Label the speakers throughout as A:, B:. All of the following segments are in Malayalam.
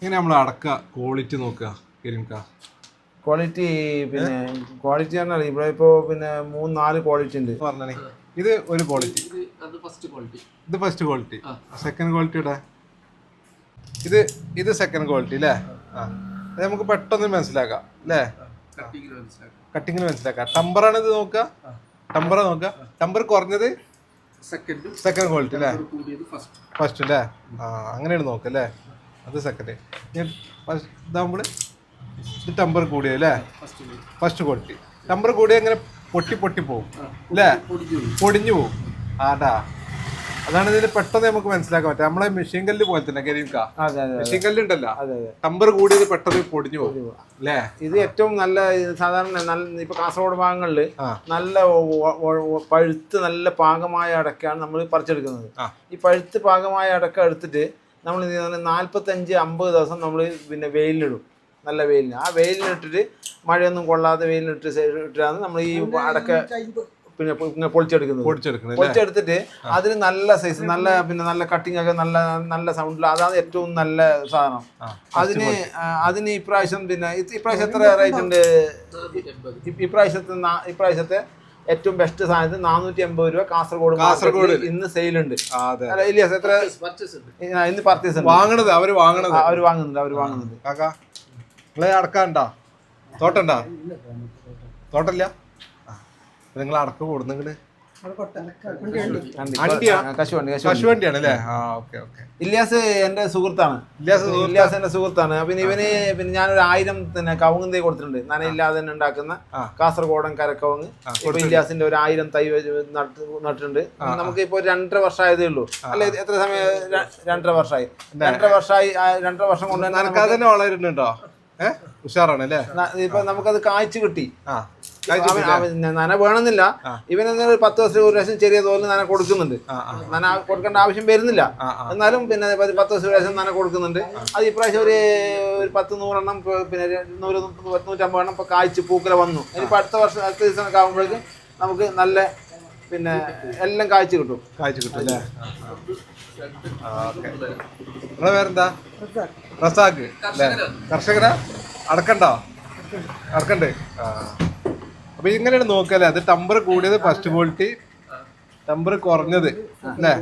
A: ഇങ്ങനെ നമ്മൾ അടക്ക ക്വാളിറ്റി നോക്കുക
B: ക്വാളിറ്റി പിന്നെ ക്വാളിറ്റി പറഞ്ഞാൽ ഇവിടെ ഇപ്പോ പിന്നെ 3-4 ക്വാളിറ്റി ഉണ്ട്
A: പറഞ്ഞേ. ഇത് ഒരു ക്വാളിറ്റി, ഇത് ഫസ്റ്റ് ക്വാളിറ്റി, സെക്കൻഡ് ക്വാളിറ്റിയുടെ ഇത് സെക്കൻഡ് ക്വാളിറ്റി അല്ലേ? അത് നമുക്ക് പെട്ടെന്ന് മനസ്സിലാക്കാം അല്ലേ? കട്ടിങ്ങിന് മനസ്സിലാക്കാം. ടമ്പറാണ് ഇത് നോക്കുക, ടമ്പർ കുറഞ്ഞത് സെക്കൻഡ് ക്വാളിറ്റി അല്ലേ? ഫസ്റ്റ് അല്ലേ? അങ്ങനെയാണ് നോക്കുക അല്ലേ? അത് സെക്കൻഡ്. ഇതാകുമ്പോൾ ഇത് ടമ്പർ കൂടിയല്ലേ? First quality. ടമ്പർ കൂടിയ അങ്ങനെ പൊട്ടി പോകും അല്ലേ? പൊടിഞ്ഞു പോകും. ആടാ, അതാണ് ഇതിന് പെട്ടെന്ന് നമുക്ക് മനസ്സിലാക്കാൻ പറ്റും. നമ്മളെ മെഷീൻ കല്ല് പോലെ തന്നെ മെഷീൻ കല്ല് ഉണ്ടല്ലോ, ടമ്പർ കൂടിയത് പെട്ടെന്ന് പൊടിഞ്ഞു പോകും അല്ലേ?
B: ഇത് ഏറ്റവും നല്ല സാധാരണ ഇപ്പൊ കാസർഗോഡ് ഭാഗങ്ങളിൽ നല്ല പഴുത്ത് നല്ല പാകമായ അടക്കയാണ് നമ്മൾ പറിച്ചെടുക്കുന്നത്. ഈ പഴുത്ത് പാകമായ അടക്ക എടുത്തിട്ട് നമ്മൾ 45-50 ദിവസം നമ്മൾ പിന്നെ വെയിലിലിടും. നല്ല വെയിലിന്, ആ വെയിലിനിട്ടിട്ട് മഴയൊന്നും കൊള്ളാതെ വെയിലിനിട്ടാണ് നമ്മൾ ഈ അടക്ക പിന്നെ പൊളിച്ചെടുത്തിട്ട് അതിന് നല്ല സൈസ്, നല്ല കട്ടിങ് ഒക്കെ നല്ല സൗണ്ടിൽ, അതാണ് ഏറ്റവും നല്ല സാധനം. അതിന് ഇപ്രാവശ്യം എത്ര റേറ്റ് ഉണ്ട്? ഇപ്രാവശ്യത്തെ ഏറ്റവും ബെസ്റ്റ് സാധനത്തിന് 480 രൂപ കാസർഗോഡ് ഇന്ന് സെയിലുണ്ട്. ഇല്ലിയാസ് എത്ര ഇന്ന് പർച്ചേസ്
A: വാങ്ങണത്? അവര്
B: വാങ്ങുന്നുണ്ട്.
A: അടക്കണ്ടോ? തോട്ടല്ല? നിങ്ങൾ അടക്കം കൊടുന്നെങ്കില് കശുവണ്ടിയാണ് അല്ലേ?
B: ഇല്യാസ് എന്റെ സുഹൃത്താണ്. ഇല്യാസ് എന്റെ സുഹൃത്താണ്. പിന്നെ ഞാനൊരു 1000 കവുങ്ങ് തൈ കൊടുത്തിട്ടുണ്ട്. നനയില്ലാതെ തന്നെ ഉണ്ടാക്കുന്ന കാസർഗോഡൻ കരക്കവുങ്ങ്. ഇപ്പൊ ഇല്യാസിന്റെ ഒരു 1000 തൈ നട്ടിട്ടുണ്ട്. നമുക്ക് ഇപ്പൊ 2.5 വർഷമായതേ ഉള്ളൂ. അല്ലെ, എത്ര സമയം? 2.5 വർഷമായി. 2.5 വർഷം കൊണ്ട്
A: തന്നെ വളരുന്നുണ്ടോ? ഉഷാറാണ് അല്ലേ?
B: ഇപ്പൊ നമുക്കത് കായ്ച്ചു കിട്ടി. നന വേണമെന്നില്ല. ഇവനെന്താ 10 ദിവസം ഒരു പ്രാവശ്യം ചെറിയ തോതിൽ നന കൊടുക്കുന്നുണ്ട്. നന കൊടുക്കേണ്ട ആവശ്യം വരുന്നില്ല, എന്നാലും പിന്നെ 10 ദിവസം ഒരു പ്രാവശ്യം നന കൊടുക്കുന്നുണ്ട്. അത് ഇപ്രാവശ്യം ഒരു 10-100 എണ്ണം, പിന്നെ 100-150 എണ്ണം ഇപ്പൊ കായ്ച്ച് പൂക്കല വന്നു. ഇനിയിപ്പോ അടുത്ത സീസൺ ഒക്കെ ആകുമ്പോഴേക്ക് നമുക്ക് നല്ല പിന്നെ എല്ലാം കായ്ച്ചു കിട്ടും
A: അല്ലേ? നിങ്ങളെ പേരെന്താ? റസാഖ് അല്ലേ? കർഷകരാ? അടക്കണ്ട്. അപ്പൊ ഇങ്ങനെയാണ് നോക്കല്ലേ? അത് ടമ്പർ കൂടിയത് ഫസ്റ്റ് ക്വാളിറ്റി, ടമ്പർ കുറഞ്ഞത് അല്ലേ?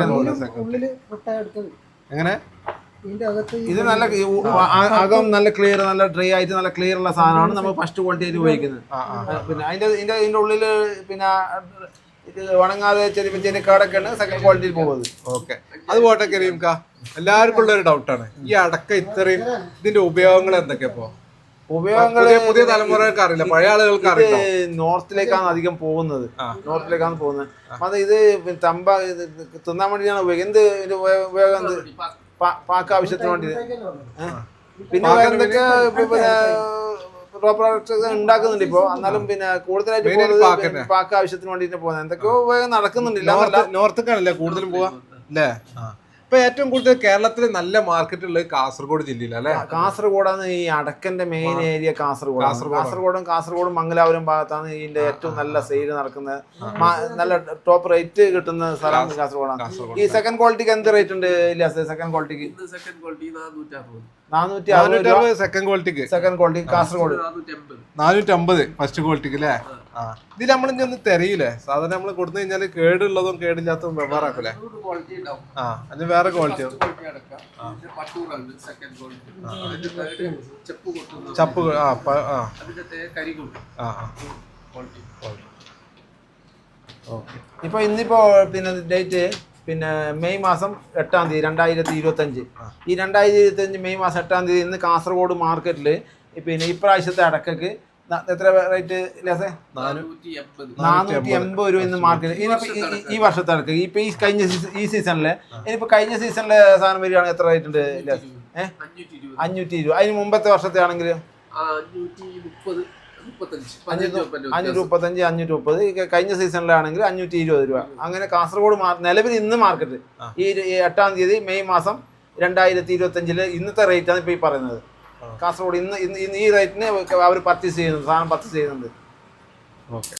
A: എങ്ങനെ?
B: ഇത് നല്ല അകം നല്ല ക്ലിയർ, നല്ല ഡ്രൈ ആയിട്ട് നല്ല ക്ലിയർ ഉള്ള സാധനമാണ് നമ്മൾ ഫസ്റ്റ് ക്വാളിറ്റി ആയിട്ട് ഉപയോഗിക്കുന്നത്. പിന്നെ ഇതിന്റെ ഉള്ളില് പിന്നെ ഉണങ്ങാതെ ചെറിയ കാടൊക്കെയാണ് സെക്കൻഡ് ക്വാളിറ്റിയിൽ പോകുന്നത്.
A: ഓക്കെ, അത് പോട്ടെ കരീംക്ക. എല്ലാവർക്കും ഉള്ള ഒരു ഡൗട്ടാണ്, ഈ അടക്ക ഇത്രയും ഇതിന്റെ ഉപയോഗങ്ങൾ എന്തൊക്കെയാ?
B: ഉപയോഗങ്ങള്
A: പുതിയ തലമുറകൾക്ക് അറിയില്ല, പഴയ ആളുകൾക്ക് അറിയില്ല.
B: നോർത്തിലേക്കാണ് അധികം പോകുന്നത്. അത് ഇത് തിന്നാൻ വേണ്ടിയാണ് ഉപയോഗിക്കുന്നത്. എന്ത് ഉപയോഗം? പാക്ക ആവശ്യത്തിന് വേണ്ടി. പിന്നെ എന്തൊക്കെ പ്രോഡക്ട്സ് ഉണ്ടാക്കുന്നുണ്ട് ഇപ്പൊ. എന്നാലും പിന്നെ കൂടുതലായിട്ട് പാക്ക ആവശ്യത്തിന് വേണ്ടിട്ട് പോകുന്നത് എന്തൊക്കെയോ ഉപയോഗം നടക്കുന്നുണ്ടില്ല.
A: നോർത്തേക്കാണല്ലേ കൂടുതലും പോവാ അല്ലേ? ഇപ്പൊ ഏറ്റവും കൂടുതൽ കേരളത്തിൽ നല്ല മാർക്കറ്റ് ഉള്ളത് കാസർഗോഡ് ജില്ലയിൽ അല്ലെ?
B: കാസർഗോഡാണ് ഈ അടക്കന്റെ മെയിൻ ഏരിയ. കാസർഗോഡും മംഗലാപുരം ഭാഗത്താണ് ഇതിന്റെ ഏറ്റവും നല്ല സെയിൽ നടക്കുന്നത്. നല്ല ടോപ്പ് റേറ്റ് കിട്ടുന്ന സ്ഥലം കാസർഗോഡാണ്. ഈ സെക്കൻഡ് ക്വാളിറ്റിക്ക് എന്ത് റേറ്റ് ഉണ്ട്? ഇല്ല, സെക്കൻഡ് ക്വാളിറ്റിക്ക് 460 സെക്കൻഡ് ക്വാളിറ്റി കാസർഗോഡ്
A: 450 ഫസ്റ്റ് ക്വാളിറ്റിക്ക് അല്ലേ? ഇതിൽ നമ്മളിഞ്ഞൊന്ന് തെരയില്ലേ? സാധാരണ നമ്മൾ കൊടുത്തു കഴിഞ്ഞാല് കേടുള്ളതും കേടില്ലാത്തതും വ്യവഹാരാക്കൂലേ? അതിന് വേറെ ക്വാളിറ്റി ചപ്പ്.
B: ഇപ്പൊ ഇന്നിപ്പോ പിന്നെ ഡേറ്റ് പിന്നെ മെയ് മാസം 8-ാം തീയതി 2025. ഈ 2025 മെയ് മാസം 8-ാം തീയതി ഇന്ന് കാസർഗോഡ് മാർക്കറ്റിൽ പിന്നെ ഇപ്രാവശ്യത്തെ അടക്കക്ക് എത്ര റേറ്റ്? 480 രൂപ ഇന്ന് മാർക്കറ്റ്. ഈ വർഷത്തെ അടക്ക ഇപ്പൊ ഈ സീസണില്, ഇനിയിപ്പോ കഴിഞ്ഞ സീസണിലെ സാധനം വരികയാണെങ്കിൽ എത്ര റേറ്റ് ഉണ്ട്? 520. അതിന് മുമ്പത്തെ വർഷത്തെ ആണെങ്കിൽ 535, 530. കഴിഞ്ഞ സീസണിലാണെങ്കിൽ 520 രൂപ. അങ്ങനെ കാസർഗോഡ് നിലവിൽ ഇന്ന് മാർക്കറ്റ് ഈ 8-ാം തീയതി മെയ് മാസം 2025 ഇന്നത്തെ റേറ്റാണ് ഇപ്പൊ ഈ പറയുന്നത്. കാസർഗോഡ് ഇന്ന് ഈ റേറ്റിന് അവർ സാധനം പർച്ചേസ് ചെയ്യുന്നുണ്ട്.